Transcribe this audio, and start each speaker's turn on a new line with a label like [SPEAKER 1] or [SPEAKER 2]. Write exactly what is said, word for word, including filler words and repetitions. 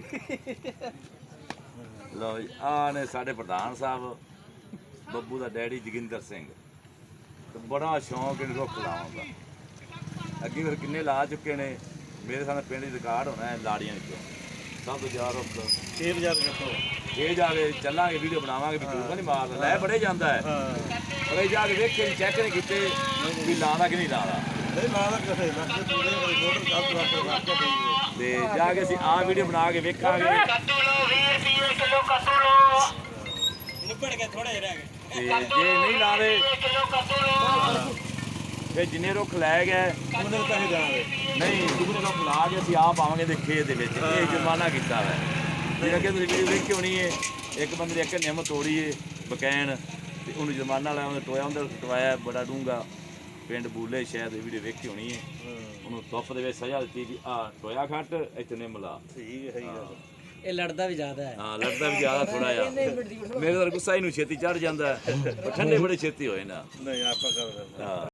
[SPEAKER 1] ਲਓ ਜੀ ਆ ਨੇ ਸਾਡੇ ਪ੍ਰਧਾਨ ਸਾਹਿਬ ਬੱਬੂ ਦਾ ਡੈਡੀ ਜੋਗਿੰਦਰ ਸਿੰਘ ਤੇ ਬੜਾ ਸ਼ੌਂਕ ਇਹਨੂੰ ਰੁੱਖ ਲਾਉਣ ਦਾ। ਅੱਗੇ ਫਿਰ ਕਿੰਨੇ ਲਾ ਚੁੱਕੇ ਨੇ ਮੇਰੇ ਸਾਹਮਣੇ ਪਿੰਡ ਦੀ ਰਿਕਾਰਡ ਹੋਣਾ ਹੈ ਲਾੜੀਆਂ ਵਿੱਚੋਂ ਸਭ ਤੋਂ ਜ਼ਿਆਦਾ ਰੁੱਖ
[SPEAKER 2] ਛੇ ਹਜ਼ਾਰ ਰੱਖੋ
[SPEAKER 1] ਇਹ ਜਾ ਕੇ ਚੱਲਾਂਗੇ ਵੀਡੀਓ ਬਣਾਵਾਂਗੇ ਵੀ ਝੂਠ ਨਹੀਂ ਮਾਰਦਾ ਲੈ ਬੜੇ ਜਾਂਦਾ ਹੈ ਪਰ ਇਹ ਜਾ ਕੇ ਵੇਖੇ ਚੈੱਕ ਨਹੀਂ ਕੀਤੇ ਵੀ ਲਾਉਂਦਾ ਕਿ ਨਹੀਂ ਲਾਉਂਦਾ
[SPEAKER 2] ਨਹੀਂ ਲਾਦਾ ਕਿਸੇ ਲੱਗੇ ਪੂਰੇ ਮੋਟਰ ਸਭ ਰੱਖ ਰੱਖ ਕੇ ਦੇਈਏ
[SPEAKER 1] ਤੇ ਜਾ ਕੇ ਅਸੀਂ ਆਹ ਵੀਡੀਓ ਬਣਾ ਕੇ ਵੇਖਾਂਗੇ
[SPEAKER 2] ਨਿਬੜ ਕੇ ਥੋੜੇ ਜਿਹੇ ਰਹਿ ਗਏ
[SPEAKER 1] ਤੇ ਜੇ ਨਹੀਂ ਲਾਵੇ ਫਿਰ ਜਿੰਨੇ ਰੁੱਖ ਲੈ ਗਏ
[SPEAKER 2] ਉਹਨਾਂ ਦੇ ਪੈਸੇ ਜਾਣਗੇ
[SPEAKER 1] ਨਹੀਂ ਜਿੰਨੇ ਰੁੱਖ ਲਾ ਕੇ ਅਸੀਂ ਆਪ ਆਵਾਂਗੇ ਦੇ ਖੇਤ ਦੇ ਵਿੱਚ ਇਹ ਜੁਰਮਾਨਾ ਕੀਤਾ ਵਾ ਜਿਹੜਾ ਕਿ ਤੁਸੀਂ ਵੀਡੀਓ ਵੇਖੀ ਹੋਣੀ ਹੈ ਇੱਕ ਬੰਦੇ ਨੇ ਇੱਕ ਨਿੰਮ ਤੋੜੀ ਏ ਬਕੈਨ ਤੇ ਉਹਨੂੰ ਜੁਰਮਾਨਾ ਲਾਇਆ ਉਹਨੇ ਟੋਇਆ ਉਹਦੇ ਟਵਾਇਆ ਬੜਾ ਡੂੰਗਾ ਪਿੰਡ ਬੂਲੇ ਸ਼ਾਇਦ ਇਹ ਵੀਡੀਓ ਵੇਖੀ ਹੋਣੀ ਹੈ ਉਹਨੂੰ ਧੁੱਪ ਦੇ ਵਿੱਚ ਸਜ਼ਾ ਦਿੱਤੀ ਵੀ ਆਹ ਟੋਇਆ ਖੱਟ ਇੱਥੇ ਨਿੰਮ ਲਾ
[SPEAKER 2] ਠੀਕ ਹੈ ਸਹੀ ਗੱਲ
[SPEAKER 3] ਇਹ ਲੜਦਾ ਵੀ ਜ਼ਿਆਦਾ ਹੈ
[SPEAKER 1] ਹਾਂ ਲੜਦਾ ਵੀ ਜ਼ਿਆਦਾ ਥੋੜਾ ਜਿਹਾ ਮੇਰੇ ਤਾਂ ਗੁੱਸਾ ਇਹਨੂੰ ਛੇਤੀ ਚੜ ਜਾਂਦਾ ਠੰਡੇ ਬੜੇ ਛੇਤੀ ਹੋਏ ਨਾ
[SPEAKER 2] ਨਹੀਂ ਆਪਾਂ ਕਰ ਰਹੇ
[SPEAKER 1] ਹਾਂ